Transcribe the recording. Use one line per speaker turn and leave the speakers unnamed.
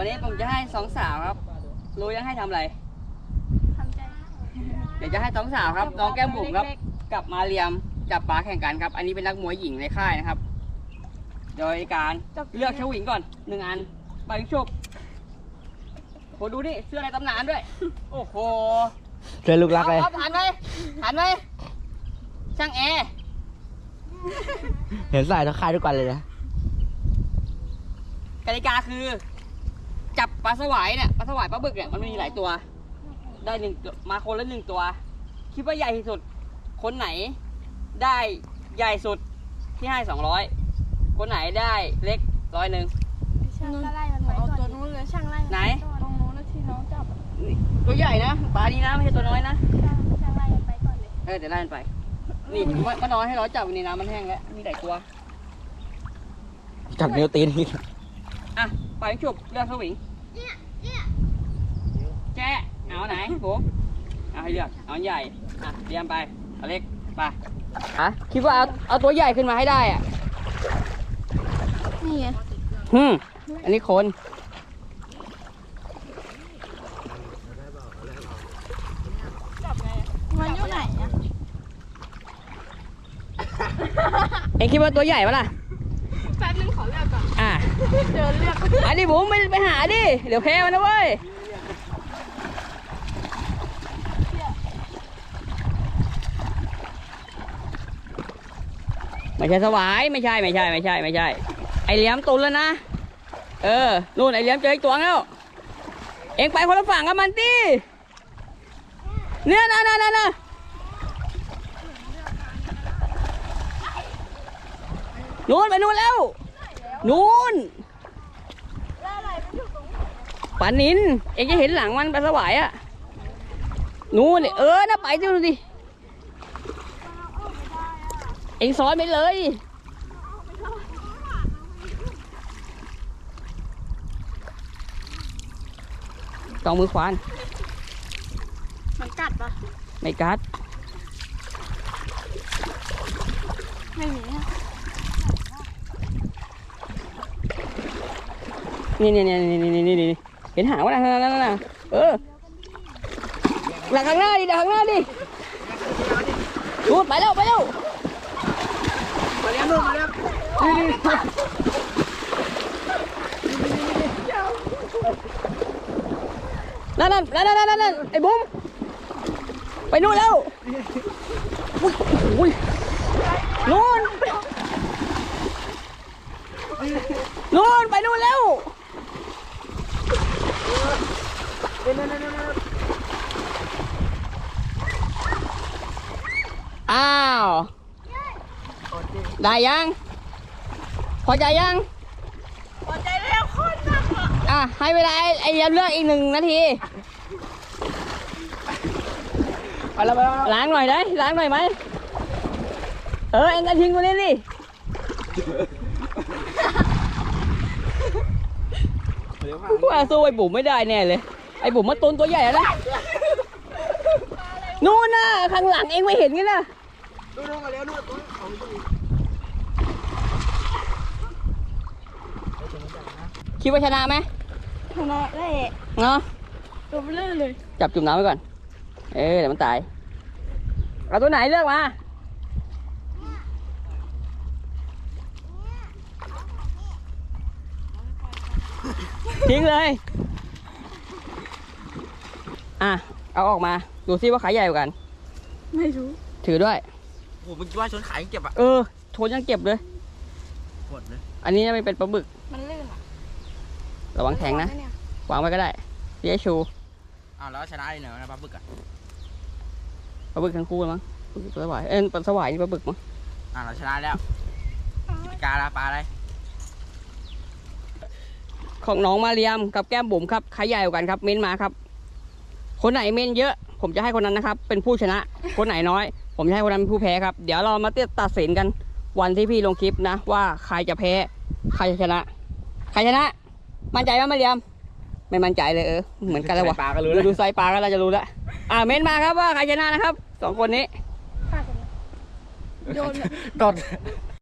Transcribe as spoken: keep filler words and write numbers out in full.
วันนี้ผมจะให้สองสาวครับรู้ยังให้ทำอะไรทำใจเดี๋ยวจะให้สองสาวครับน้องแก้มบุ๋มครับกับมาเรียมจับปลาแข่งกันครับอันนี้เป็นนักมวยหญิงในค่ายนะครับโดยการเลือกเชวิงก่อนหนึ่งอันไปชุบโหดูนี่เสื้อในตำนานด้วยโอ้โห
เจอลูกรักเลย
หันไหมหันไหมช่างแอร์
เห็นใส่ทั้งค่ายทุกวันเลยนะ
กติกาคือจับปลาสวายเนี่ยปลาสวายปลาบึกเนี่ยมันมีหลายตัวได้หนึ่งมาคนละหนึ่งตัวคิดว่าใหญ่ที่สุดคนไหนได้ใหญ่สุดที่ให้สองร้อยคนไหนได้เล็กร้อยหนึ่ง
ช่างไล่มันไปก่อนตัวนู้นเลยช่างไล่
ไหน
ตรงนู้นที่น้องจับ
ตัวใหญ่นะปลาดีนะไม่ใช่ตัวน้อยนะ
ช่างไล่มันไปก่อนเลย
เออเดี๋ยวไล่มันไปนี่มันนอนให้เราจับในน้ำมันแห้งแล้วมีหลายตัว
จับนิ้วตีนอีก
อ่ะไปฉุบเลือกสวิงแจ๊เอาไหนผมเอาให้เลือกเอาใหญ่อ่ะเตรียมไปเอาเล็กไปอ่ะคิดว่าเอาเอาตัวใหญ่ขึ้นมาให้ได้อ่ะ
นี่ไง
ฮึมอันนี้คน
จับไงมันอยู่ไหนอ่ะ
เอ็งคิดว่าตัวใหญ่ปะล่ะ
แป๊บนึงขอเลือกก่อน
อ่ะ
เดินเลือก
อันนี้ผมไปไปหาดิเดี๋ยวแพ้มันนะเว้ยไม่ใช่สวายไม่ใช่ไม่ใช่ไม่ใช่ไม่ใช่ไอเหลี่ยมตุนแล้วนะเออนู่นไอเหลี่ยมเจออีกตัวแล้วเอ็งไปคนละฝั่งกับมันดิเนี่ยนะนะนะนะนู่นไปนู่นแล้วนู่นปลานินเอ็งจะเห็นหลังมันปลาสวายอะนู่นเออน่าไปดูดิเอ็งซ้อนไปเลยต้องมือขวาน
มันกัดปะ
ไม่กัด
ไม่มี
นี่นี่นี่นี่นี่นี่นี่เห็นหางวะนะนั่นนั่นนั่นเออหลังข้างหน้าดิหลังข้างหน้าดิดูไปแล้วไปแล้วมาเลี้ยงลูกมาเลี้ยงนี่นี่นั่นนั่นนั่นนั่นนั่นไอ้บุ้มไปนู่นแล้วอุ้ยนู่นนู่นไปนู่นแล้วอ้าวได้ยังพอใจยัง
พอใจแล้วคนนัก
อ่ะให้เวลาไอ้เลี้ยงเลือกอีกหนึ่งนาทีล้างหน่อยได้ล้างหน่อยไหมเออเอ็งกระทิ้งตัวนี้ดิว่าสู้ไอ้บุ๋มไม่ได้แน่เลยไอ้บุ๋มมาตุนตัวใหญ่แล้วนะนู่นน่ะข้างหลังเอ็งไม่เห็นกันนะนู่นมาแล้วนู่นตัวของตัวนี้คิดว่าชนะไหม
ชนะได้
เนาะ
ตัวเลื่อนเลย
จับจุ่มน้ำไว้ก่อนเออเดี๋ยวมันตายเอาตัวไหนเลือกมาทิ้งเลยอ่ะเอาออกมาดูซิว่าขายใหญ่กว่ากัน
ไม่รู้
ถือด้วย
โอ้โหมึงว่าชนขายยังเก็บอ่ะ
เออชนยังเก็บเลย
หมดเลย
อันนี้ไม่เป็นปลาบึก
มันลื่นอ่ะ
ระวังแข็งนะวางไว้ก็ได้เย้ชู
อ้าวแล้วชนะได้เหรอนะปลาบึกอ่ะ
ปลาบึกทั้งคู่มั้งปลาสวายเอ็นปลาสวายนี่ปลาบึกมั้ง
อ่าเราชนะแล้วกาลาปลาอะไร
ของน้องมาเรียมกับแก้มบุ๋มครับใครใหญ่กว่ากันครับเม้นมาครับคนไหนเม้นเยอะผมจะให้คนนั้นนะครับเป็นผู้ชนะคนไหนน้อยผมจะให้คนนั้นเป็นผู้แพ้ครับเดี๋ยวเรามาตัดสินกันวันที่พี่ลงคลิปนะว่าใครจะแพ้ใครจะชนะใครชนะมั่นใจไหมมาเรียมไม่มั่นใจเลยเออเหมือนกันเลยวะดูไซปลาก็เราจะรู้แล้วอ่าเม้นมาครับว่าใครชนะนะครับสองคนนี้
โยน
กด